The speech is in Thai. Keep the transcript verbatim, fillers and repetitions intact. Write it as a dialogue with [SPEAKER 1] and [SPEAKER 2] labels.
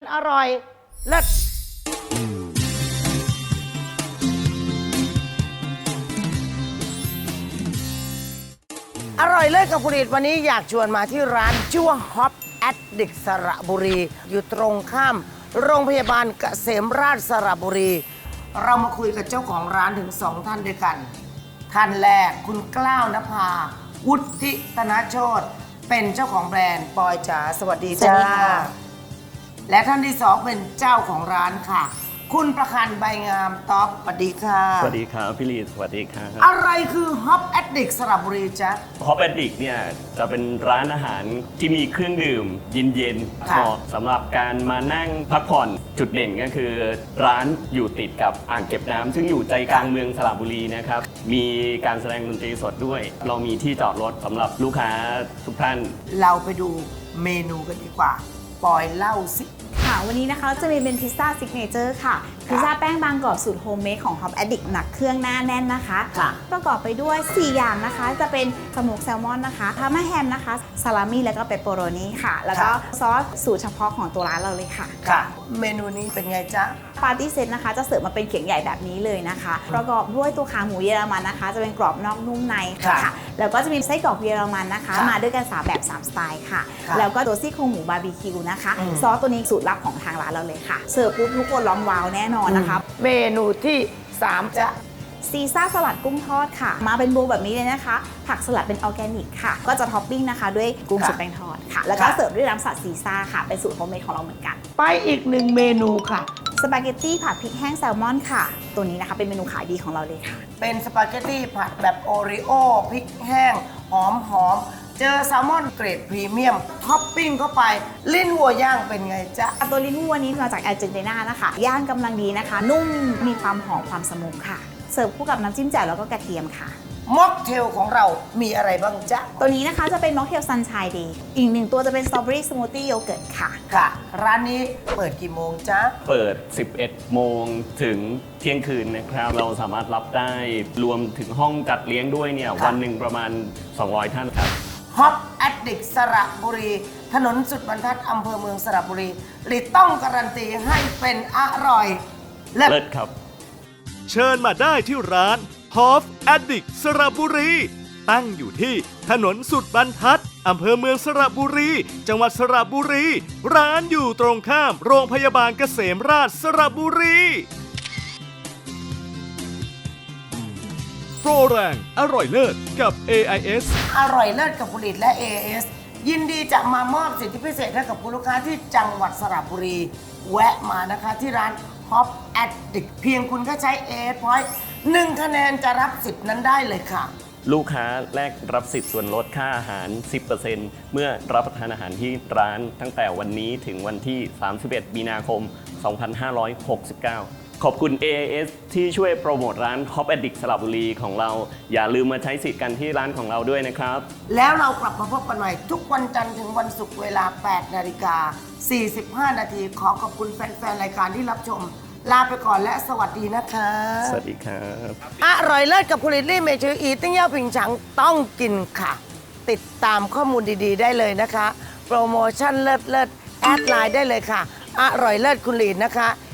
[SPEAKER 1] อร่อยเลิศอร่อยเลิศกับผลิตวันนี้อยากชวนมาที่ร้านชื่อว่า Hop Addict สระบุรี อยู่ตรงข้ามโรงพยาบาลเกษมราชสระบุรี เรามาคุยกับเจ้าของร้านถึงสองท่านด้วยกัน ท่านแรกคุณกล้าวนภาวุฒิธนโชติเป็นเจ้าของแบรนด์ปอยจ๋าสวัสดีจ้าและท่านที่สองเป็นเจ้าของร้านค่ะ คุณประคันใบงามต๊อบสวัสดีค่ะ
[SPEAKER 2] สวัสดีครับพี่ลีสวัสดีครับ
[SPEAKER 1] อะไรคือ Hop Addict สระบุรีจ๊ะ
[SPEAKER 2] ฮอปแอนดิกเนี่ยจะเป็นร้านอาหารที่มีเครื่องดื่มเย็นๆ
[SPEAKER 1] ค่ะ
[SPEAKER 2] เหมาะสำหรับการมานั่งพักผ่อนจุดเด่นก็คือ ร้านอยู่ติดกับอ่างเก็บน้ำซึ่งอยู่ใจกลางเมืองสระบุรีนะครับมีการแสดงดนตรีสดด้วย เรามีที่จอดรถสำหรับลูกค้าทุกท่าน
[SPEAKER 1] เราไปดูเมนูกันดีกว่า ปอยเล่าสิ
[SPEAKER 3] ค่ะวันนี้นะคะจะมีเป็นพิซซ่าซิกเนเจอร์ค่ะพิซซ่าแป้งบางกรอบสูตรโฮมเมดของ Hop Addict หนักเครื่องหน้าแน่นนะคะ
[SPEAKER 1] ค่ะ
[SPEAKER 3] ประกอบไปด้วย สี่ อย่างนะคะ จะเป็นสโมกแซลมอนนะคะพาร์มาแฮมนะคะซาลามี่แล้วก็เปปเปอโรนีค่ะ แล้วก็ซอสสูตรเฉพาะของตัวร้านเราเลยค่ะ
[SPEAKER 1] ค่ะ เมนูนี้เป็นไงจ๊ะ
[SPEAKER 3] ปาร์ตี้เซตนะคะจะเสิร์ฟมาเป็นเขียงใหญ่แบบนี้เลยนะคะ ประกอบด้วยตัวขาหมูเยอรมันนะคะ จะเป็นกรอบนอกนุ่มในค่ะ
[SPEAKER 1] ค่ะ
[SPEAKER 3] แล้วก็จะมีไส้กรอกเยอรมันนะคะ
[SPEAKER 1] ค่ะ
[SPEAKER 3] มาด้วยกันสามแบบสามสไตล์ค่ะ
[SPEAKER 1] ค่ะ
[SPEAKER 3] แล้วก็ตัวซี่โครงหมูบาร์บีคิวนะคะ
[SPEAKER 1] อืม
[SPEAKER 3] ซอสตัวนี้สูตรลับของทางร้านเราเลยค่ะ เสิร์ฟปุ๊บทุกคนร้องว้าวแน่นอนนะคะ
[SPEAKER 1] เมนูที่สามจ๊ะ
[SPEAKER 3] ซีซ่าสลัดกุ้งทอดค่ะ มาเป็นโบว์แบบนี้เลยนะคะ ผักสลัดเป็นออร์แกนิกค่ะ ก็จะท็อปปิ้งนะคะด้วยกุ้ง
[SPEAKER 1] ค่ะ
[SPEAKER 3] สุกแป้งทอดค่ะ แล้วก็
[SPEAKER 1] ค่ะ
[SPEAKER 3] เสิร์ฟด้วยน้ำสัตว์ซีซ่าค่ะ เป็นสูตรโฮมเมดของเราเหมือนกัน
[SPEAKER 1] ไปอีกหนึ่งเมนูค่ะ
[SPEAKER 3] สปาเกตตี้ผัดพริกแห้งแซลมอนค่ะ ตัวนี้นะคะเป็นเมนูขายดีของเราเลยค่ะ
[SPEAKER 1] เป็นสปาเกตตี้ผัดแบบโอริโอพริกแห้ง หอมหอมเจอแซลมอนเกรดพรีเมียม ท็อปปิ้งเข้าไป ลิ้นวัวย่างเป็นไงจ๊ะ
[SPEAKER 3] ตัวลิ้นวัวนี้มาจากอาร์เจนตินานะคะย่างกำลังดีนะคะ นุ่มมีความหอมความสมุนค่ะ เสิร์ฟคู่กับน้ำจิ้มแจ่วแล้วก็กระเทียมค่ะ
[SPEAKER 1] ม็อกเทลของเรามีอะไรบ้างจ๊ะ
[SPEAKER 3] ตัวนี้นะคะจะเป็นม็อกเทลซันชัยเดย์อีกหนึ่งตัวจะเป็นสตรอเบอรี่สมูทตี้โยเกิร์ตค่ะ
[SPEAKER 1] ค่ะ ร้านนี้เปิดกี่โมงจ๊ะ
[SPEAKER 2] เปิด สิบเอ็ด โมงถึงเที่ยงคืนนะครับ เราสามารถรับได้รวมถึงห้องจัดเลี้ยงด้วยเนี่ย
[SPEAKER 1] ค่ะ
[SPEAKER 2] วันหนึ่งประมาณ สองร้อย ท่านครับ
[SPEAKER 1] Hop Addict สระบุรี ถนนสุดบรรทัดอำเภอเมืองสระบุรีลิต้องการันตีให้เป็นอร่อยเลิศ
[SPEAKER 2] เลิศครับ
[SPEAKER 4] เชิญมาได้ที่ร้าน Hop Addict สระบุรี ตั้งอยู่ที่ถนนสุดบรรทัดอำเภอเมืองสระบุรี จังหวัดสระบุรี ร้านอยู่ตรงข้ามโรงพยาบาลเกษมราชสระบุรี โปรแรงอร่อยเลิศกับ เอ ไอ เอส
[SPEAKER 1] อร่อยเลิศกับผลิตและ เอ เอส ยินดีจะมามอบสิทธิพิเศษให้กับคุณลูกค้าที่จังหวัดสระบุรี แวะมานะคะที่ร้าน Hop Addict เพียงคุณก็ใช้ เอ เอส Point หนึ่งคะแนนจะรับสิทธิ์นั้นได้เลยค่ะ
[SPEAKER 2] ลูกค้าแลกรับสิทธิ์ส่วนลดค่าอาหาร สิบเปอร์เซ็นต์ เมื่อรับประทานอาหารที่ร้านตั้งแต่วันนี้ถึงวันที่ สามสิบเอ็ด มีนาคม สองพันห้าร้อยหกสิบเก้า ขอบคุณ เอ ไอ เอส ที่ช่วยโปรโมทร้าน Hop Addict สระบุรีของเรา อย่าลืมมาใช้สิทธิ์กันที่ร้านของเราด้วยนะครับ
[SPEAKER 1] แล้วเรากลับมาพบกันใหม่ทุกวันจันทร์ถึงวันศุกร์เวลา แปดนาฬิกาสี่สิบห้า นาที ขอขอบคุณแฟนๆ รายการที่รับชม ลาไปก่อนและสวัสดีนะคะ
[SPEAKER 2] สวัสดีครับ
[SPEAKER 1] อร่อยเลิศกับผลิตลี่เมชืออีติ้งเย่าผิงฉังต้องกินค่ะ ติดตามข้อมูลดีๆ ได้เลยนะคะ โปรโมชั่นเลิศเลิศแอดไลน์ได้เลยค่ะ อร่อยเลิศคุณลีนนะคะ